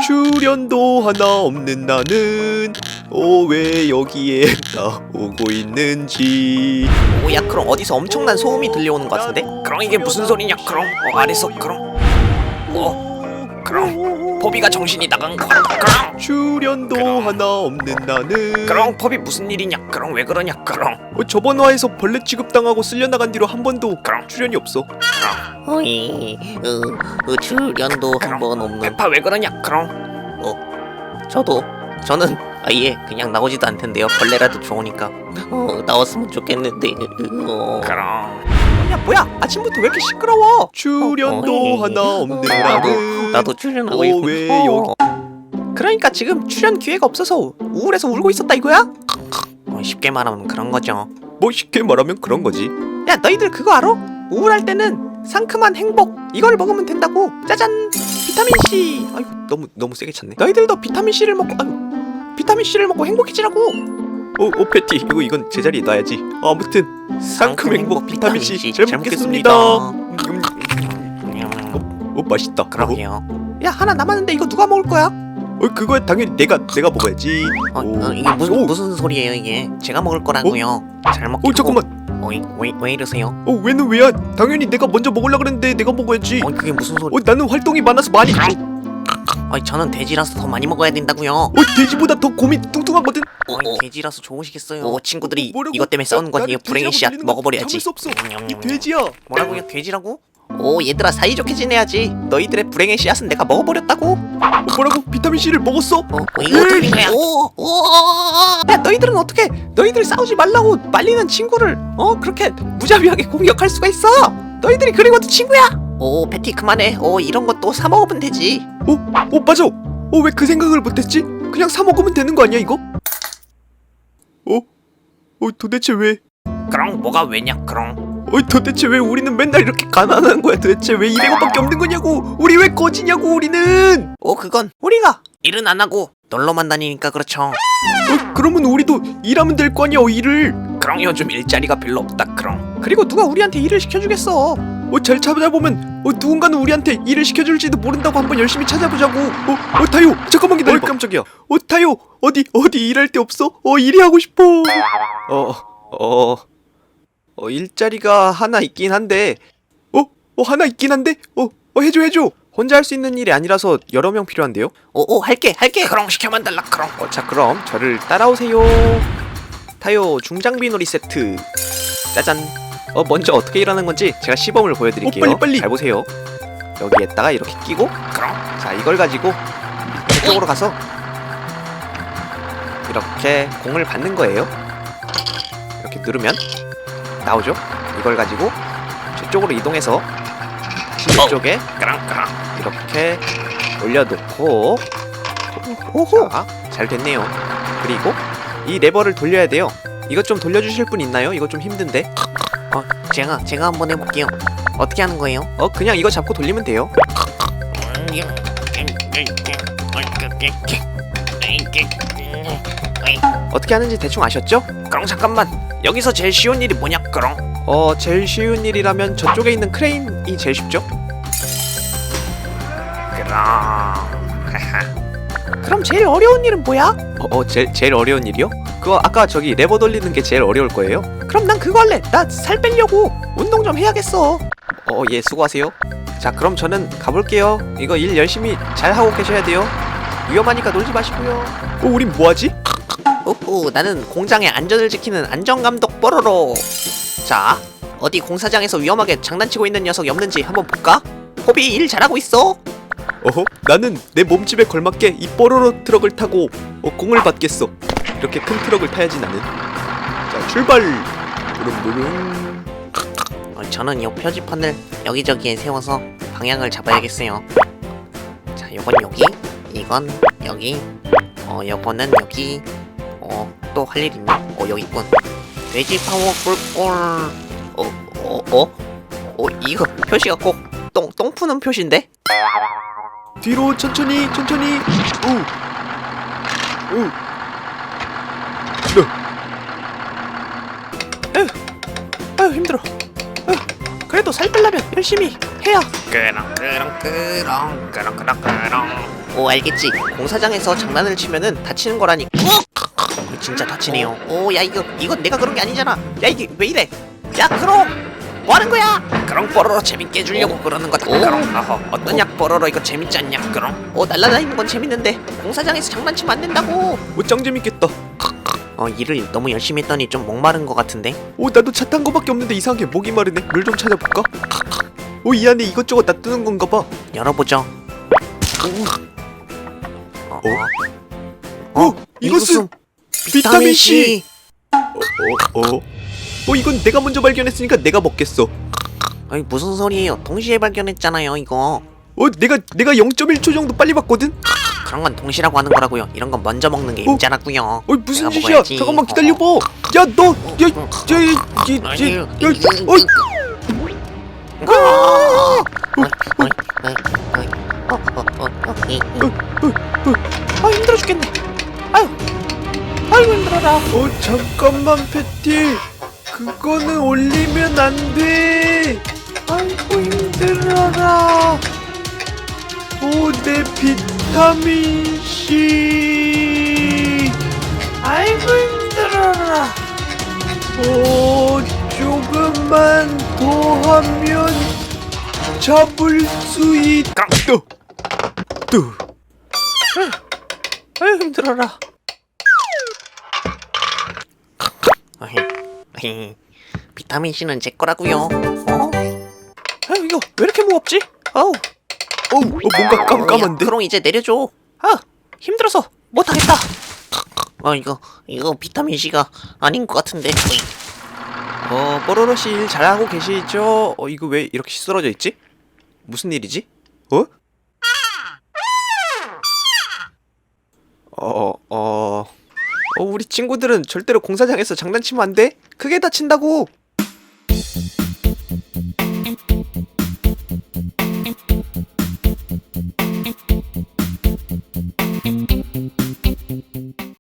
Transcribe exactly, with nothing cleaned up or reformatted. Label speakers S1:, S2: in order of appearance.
S1: 출연도 하나 없는 나는 어 왜 여기에 나오고 있는지.
S2: 오야 그럼 어디서 엄청난 소음이 들려오는 것 같은데? 그럼 이게 무슨 소리냐 그럼? 어 아래서 그럼 어 그럼 포비가 정신이 나간 거 그럼?
S1: 출연도
S2: 그럼.
S1: 하나 없는 나는
S2: 그럼 포비 무슨 일이냐 그럼 왜 그러냐 그럼?
S1: 어, 저번 화에서 벌레 취급당하고 쓸려나간 뒤로 한 번도
S2: 그럼.
S1: 출연이 없어.
S3: 어이, 어, 어, 출연도 한 번 없는.
S2: 페파 왜 그러냐 그럼?
S3: 저도 저는 아예 그냥 나오지도 않텐데요. 벌레라도 좋으니까 어, 나왔으면 좋겠는데. 어.
S2: 그럼
S1: 야 뭐야 아침부터 왜 이렇게 시끄러워. 출연도
S3: 어,
S1: 하나 없는
S3: 나도
S1: 나는
S3: 나도 출연하고
S1: 어,
S3: 있고.
S1: 왜 여기
S2: 그러니까 지금 출연 기회가 없어서 우울해서 울고 있었다 이거야? 어, 쉽게 말하면 그런 거죠.
S1: 뭐 쉽게 말하면 그런 거지.
S2: 야 너희들 그거 알아? 우울할 때는 상큼한 행복 이걸 먹으면 된다고. 짜잔 비타민 C.
S1: 아이고 너무 너무 세게 찼네.
S2: 너희들도 비타민 C를 먹고 아유, 비타민 C를 먹고 행복해지라고.
S1: 오, 오 패티 이거 이건 제자리에 놔야지. 아무튼 상큼 행복 비타민 C 잘 먹겠습니다. 음, 음, 음. 오 맛있다.
S3: 그러게요.
S2: 야 하나 남았는데 이거 누가 먹을 거야?
S1: 어 그거 당연히 내가 내가 먹어야지.
S3: 어,
S1: 오.
S3: 어, 이게 무슨
S1: 오.
S3: 무슨 소리예요 이게? 제가 먹을 거라고요. 잘 먹게.
S1: 어 잠깐만.
S3: 어이, 왜, 왜 이러세요?
S1: 어 왜는 왜야? 당연히 내가 먼저 먹으려 그랬는데 내가 먹어야지.
S3: 어 그게 무슨 소리?
S1: 어 나는 활동이 많아서 많이.
S3: 아니 저는 돼지라서 더 많이 먹어야 된다고요.
S1: 어 돼지보다 더 곰이 뚱뚱하거든.
S3: 어이, 돼지라서 좋으시겠어요.
S1: 어,
S3: 친구들이
S1: 뭐라고?
S3: 이것 때문에 싸우는
S1: 나-
S3: 거니에요.
S1: 나는
S3: 불행의
S1: 돼지라고
S3: 씨앗
S1: 들리는 건
S3: 먹어버려야지.
S1: 참을 수 없어.
S3: 음,
S1: 이
S3: 음,
S1: 돼지야.
S3: 뭐라고요? 돼지라고? 오 얘들아 사이좋게 지내야지.
S2: 너희들의 불행의 씨앗은 내가 먹어버렸다고.
S1: 어, 뭐라고? 비타민 C를 먹었어?
S3: 어, 어 이거 어떻게 된 거야? 오, 오,
S2: 야 너희들은 어떻게 너희들 싸우지 말라고 말리는 친구를 어 그렇게 무자비하게 공격할 수가 있어? 너희들이 그리고도 친구야?
S3: 오 패티 그만해. 오 이런 것도 사 먹으면 되지.
S1: 어? 어 맞아. 어 왜 그 생각을 못했지? 그냥 사 먹으면 되는 거 아니야 이거? 어? 어 도대체 왜?
S2: 그럼 뭐가 왜냐 그럼?
S1: 어 도대체 왜 우리는 맨날 이렇게 가난한 거야? 도대체 왜 이백 원밖에 없는 거냐고? 우리 왜 거지냐고 우리는?
S3: 오 그건
S2: 우리가
S3: 일은 안 하고 놀러만 다니니까 그렇죠.
S1: 어 그러면 우리도 일하면 될 거 아니야 어, 일을?
S2: 그럼 요즘 일자리가 별로 없다 그럼. 그리고 누가 우리한테 일을 시켜주겠어?
S1: 어 잘 찾아보면 어 누군가는 우리한테 일을 시켜줄지도 모른다고 한번 열심히 찾아보자고. 어, 어 타요 잠깐만 기다려. 어 깜짝이야. 어 타요 어디 어디 일할 데 없어? 어 일이 하고 싶어. 어어 어, 어, 일자리가 하나 있긴 한데 어? 어 하나 있긴 한데 어, 어 해줘 해줘. 혼자 할 수 있는 일이 아니라서 여러 명 필요한데요.
S3: 오오 할게 할게.
S2: 그럼 시켜만 달라 그럼.
S1: 어, 자 그럼 저를 따라오세요. 타요 중장비 놀이 세트. 짜잔. 어 먼저 어떻게 일하는 건지 제가 시범을 보여드릴게요. 어, 빨리, 빨리. 잘 보세요. 여기에다가 이렇게 끼고
S2: 그럼
S1: 자 이걸 가지고 이쪽으로 가서 이렇게 공을 받는 거예요. 이렇게 누르면 나오죠. 이걸 가지고 저쪽으로 이동해서 다시
S2: 어.
S1: 이쪽에
S2: 그럼 그럼.
S1: 이렇게 올려놓고
S2: 오호.
S1: 자, 잘 됐네요. 그리고 이 레버를 돌려야 돼요. 이것 좀 돌려주실 분 있나요? 이거 좀 힘든데.
S3: 어 제가 제가 한번 해볼게요. 어떻게 하는 거예요?
S1: 어 그냥 이거 잡고 돌리면 돼요. 어떻게 하는지 대충 아셨죠?
S2: 그럼 잠깐만 여기서 제일 쉬운 일이 뭐냐 그럼?
S1: 어 제일 쉬운 일이라면 저쪽에 있는 크레인이 제일 쉽죠?
S2: 그럼 그럼 제일 어려운 일은 뭐야?
S1: 어, 어 제일 제일 어려운 일이요? 그거 아까 저기 레버 돌리는 게 제일 어려울 거예요.
S2: 그럼 난 그거 할래. 나 살 빼려고 운동 좀 해야겠어.
S1: 어 예 수고하세요. 자 그럼 저는 가볼게요. 이거 일 열심히 잘 하고 계셔야 돼요. 위험하니까 놀지 마시고요. 어 우린 뭐하지?
S3: 오호 나는 공장의 안전을 지키는 안전감독 뽀로로. 자 어디 공사장에서 위험하게 장난치고 있는 녀석이 없는지 한번 볼까? 호비 일 잘하고 있어.
S1: 어허 나는 내 몸집에 걸맞게 이 뽀로로 트럭을 타고 어, 공을 받겠어. 이렇게 큰 트럭을 타야지 나는. 자 출발. 부릉부릉.
S3: 어, 저는 이 표지판을 여기저기에 세워서 방향을 잡아야겠어요. 자 요건 여기, 이건 여기, 어 요거는 여기. 어 또 할 일 있나? 어 여기 있군. 돼지 파워 꿀꿀. 어어 어? 어 이거 표시가 꼭 똥 똥 푸는 표시인데?
S1: 뒤로 천천히 천천히. 우. 우. 네.
S2: 아유 힘들어. 아유, 그래도 살 빼려면 열심히 해야.
S3: 그렁 그렁 그렁 그렁 그렁 그렁 오 알겠지. 공사장에서 장난을 치면은 다치는 거라니. 어, 진짜 다치네요. 오 야 이거 이건 내가 그런 게 아니잖아. 야 이게 왜 이래? 야 크롱 뭐 하는 거야?
S2: 그럼 뽀로로 재밌게 해주려고 그러는 거다.
S3: 오.
S2: 그럼 어허 어떠냐 뽀로로 이거 재밌지 않냐? 그럼
S3: 오 날라다니는 건 재밌는데 공사장에서 장난치면 안 된다고.
S1: 오짱 재밌겠다.
S3: 어 일을 너무 열심히 했더니 좀 목마른 것 같은데.
S1: 오 나도 차 탄 거밖에 없는데 이상하게 목이 마르네. 물 좀 찾아볼까? 오 이 안에 이것저것 놔두는 건가 봐.
S3: 열어보죠. 어?
S1: 어? 어? 이것은 비타민 C. 어? 어? 어 이건 내가 먼저 발견했으니까 내가 먹겠어.
S3: 아니 무슨 소리예요? 동시에 발견했잖아요 이거.
S1: 어 내가 내가 영 점 일 초 정도 빨리 봤거든.
S3: 그런 건 동시라고 하는 거라고요. 이런 건 먼저 먹는 게
S1: 어?
S3: 임자라고요.
S1: 어 무슨
S3: 내가
S1: 짓이야?
S3: 먹어야지.
S1: 잠깐만 기다려봐.
S3: 어.
S1: 야 너, 야, 야, 야,
S3: 아니,
S1: 야, 야,
S3: 이-
S1: 어,
S3: 아! 어이, 어이, 어이, 어이. 어, 어, 어, 어, 이, 이.
S2: 아 힘들어 죽겠네. 아유 아이고 힘들어라.
S1: 어 잠깐만 패티. 그거는 올리면 안 돼. 아이고 힘들어라. 오 내 비타민 C. 아이고 힘들어라. 오 조금만 더 하면 잡을 수 있다. 뚜.
S2: 아유 힘들어라.
S3: 어이, 어이. 비타민 C는 제 거라고요. 어?
S2: 아유 이거 왜 이렇게 무겁지? 아우
S1: 어, 어 뭔가 깜깜한데.
S3: 야, 그럼 이제 내려줘.
S2: 아 힘들어서 못하겠다.
S3: 어 이거 이거 비타민 C가 아닌 것 같은데. 어이.
S1: 어, 뽀로로 씨 일 잘하고 계시죠? 어, 이거 왜 이렇게 쓰러져 있지? 무슨 일이지? 어? 어, 어, 어, 우리 친구들은 절대로 공사장에서 장난치면 안 돼? 크게 다친다고!